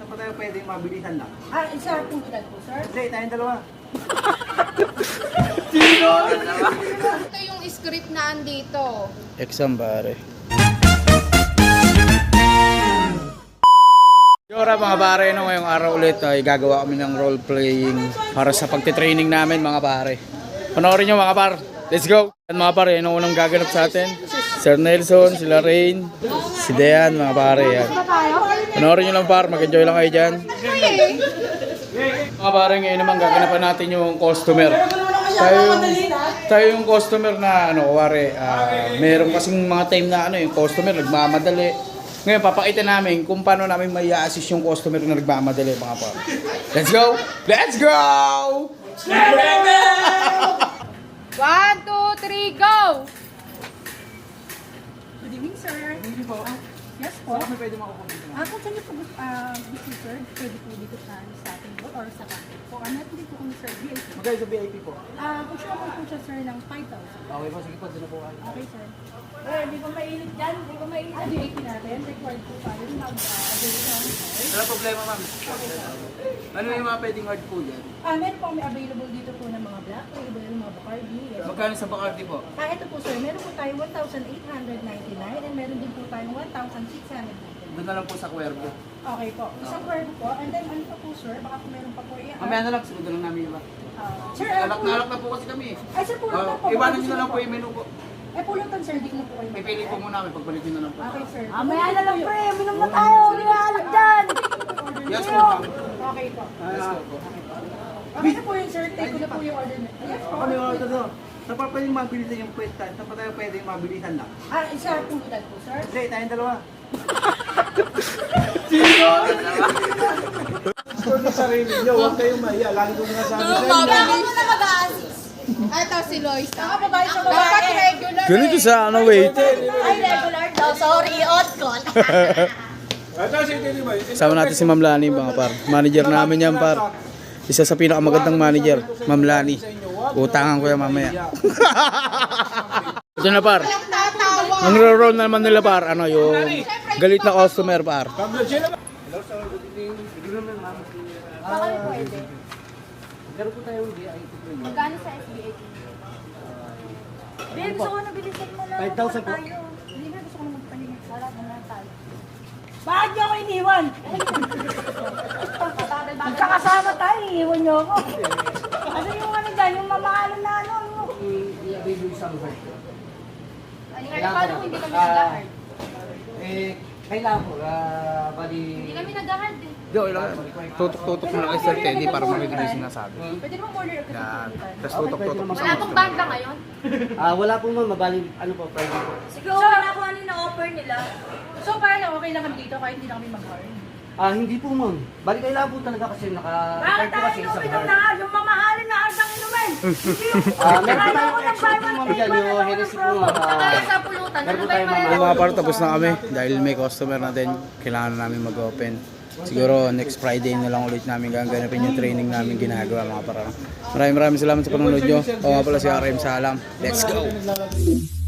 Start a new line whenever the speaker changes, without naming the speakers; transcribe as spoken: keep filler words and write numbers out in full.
pa tayo pwedeng mabilisan lang.
Ah, isa pong edad po, sir.
Hindi, tayong dalawa.
Ito yung script na andito.
Exam pare. Yora mga pare, no, ngayong araw ulit ay gagawa kami ng role playing para sa pagtitraining namin mga pare. Panoorin nyo mga par. Let's go! At mga pare, yun ang unang gaganap sa atin. Sir Nelson, sila Rain, si Dean mga pare. Yan. Panoorin nyo lang par, mag-enjoy lang kayo dyan. Mga pare, ngayon naman gaganapan natin yung customer. Tayo yung, tayo yung customer na ano, kuwari, uh, meron kasing mga time na ano, yung customer nagmamadali. Ngayon, papakita namin kung paano namin may assist yung customer na nagmamadali mga pare. Let's go! Let's go!
One, two, three, go!
Good evening, sir.
Hindi po.
Yes po.
Saan kami pwede makukuha dito?
Ah, kung saan niyo po uh, gusto, sir, pwede po dito sa, sa ating boat or sa cafe po. Ah, natin po kung sir, V I P.
Magkano sa V I P po?
Ah, kung siya po po siya, sir, ng five thousand.
Okay po, sige po, doon na po kayo.
Okay, sir. Eh, di ba mainit dyan? Di ba mainit? Ah, V I P natin. Required po tayo mag-avail uh, namin, sir.
Wala problema ma'am. Ano yung mga pwedeng hard po dyan?
Ah, meron po kami available dito po ng mga black, available ng mga Bacardi. Yes.
Magkano sa Bacardi po?
Ah, ito po, sir. Meron po tayong one thousand eight hundred ninety-nine and meron din po tayong one thousand six hundred ninety-nine.
Doon na lang po sa Cuervo.
Okay po. Isang cuervo po. And then, ano pa po, sir? Baka po meron pa po. i-
Mamaya na lang, sunod na lang namin yung iba.
Ah, sir, ano
Alak
po?
na alak na po kasi kami.
Ay, sir, pulutan
Uh,
po.
iwanan
Baka
nyo na lang po
gusto
yung menu po.
Eh, pulutan, sir. Di ko na po kayo.
Pipili po muna kami, pagbalik nyo na lang po.
Okay, sir.
Mamaya na lang pre, minom na tayo, hindi na alam dyan.
Yes po ma'am.
Okay po.
Yes po.
Okay na po yun, sir. Take ko na po yung order na. Yes po.
Kami order doon. Saan pa pwedeng mabilisan yung pwetan? Saan pa tayo pwedeng mabilisan lang?
Ah, isa pong edad po, sir.
Hindi, tayong dalawa.
Sa sarili nyo, huwag kayong mahiya. Lagi ko nga sabi sa inyo.
Ako na mag-a-assist. Ito si Lois.
Ah, babae sa
Dapat
babae.
regular.
Ganito sa ano, wait.
Ay, regular daw, sorry, odd call.
Ito si Tini Boy.
Sama natin si Ma'am Lani mga par. Manager namin yan par. Isa sa pinakamagandang manager, Ma'am Lani. Utangan ko yan mamaya. Ito na par. Ang roll naman nila par, ano yung galit na customer par.
Baka may pwede.
Meron po tayong V I P.
Magkano sa S B A T? Babe, gusto ko na bilisan mo na.
five thousand po.
Tayo. Hindi na, gusto ko na magpahinga. Wala na na tayo.
Bakit niyo ako iniwan?
Magkakasama tayo, iiwan niyo ako.
Ano yung ano dyan? Yung mamahalan na ano? ano?
I-avail yung isang hard po.
Kaya paano kung hindi kami nag-hard?
Eh, kailangan po. Ah, bali...
Hindi kami nag-hard eh.
Yo, tutok-tutok mo lang kay Sir Teddy para marinig yung sinasabi.
Pwede naman order kasi
Yan.
pulutan.
Tapos tutok-tutok mo
Wala
sa
pong banda ngayon.
Ah, wala po ma'am. Mabali, ano po, private po.
Siguro na kung ano yung na-offer nila.
So, parang okay lang kami dito kahit hindi na kami mag-hard.
Ah, hindi po ma'am. Bali, kailangan po talaga kasi naka...
Bakit
po
tayo
kasi sa
inumin
bar.
na yung mamahalin na ardang inumin?
Ah, meron po
Kaya
tayong
ako ng
extra po
buy one,
ma'am
take
dyan.
one,
Yung
ano
Hennessy
ng
po
promo?
ma'am.
Saka
Ah,
sa pulutan,
meron
ano
po
ba yung
tayong
malalaman?
mga par, tapos na kami dahil may customer natin, kailangan na namin mag-open. Siguro next Friday na lang ulit namin gaganapin yung training namin ginagawa mga para. Maraming maraming salamat sa panonood nyo. O nga pala si R M Salam. Let's go!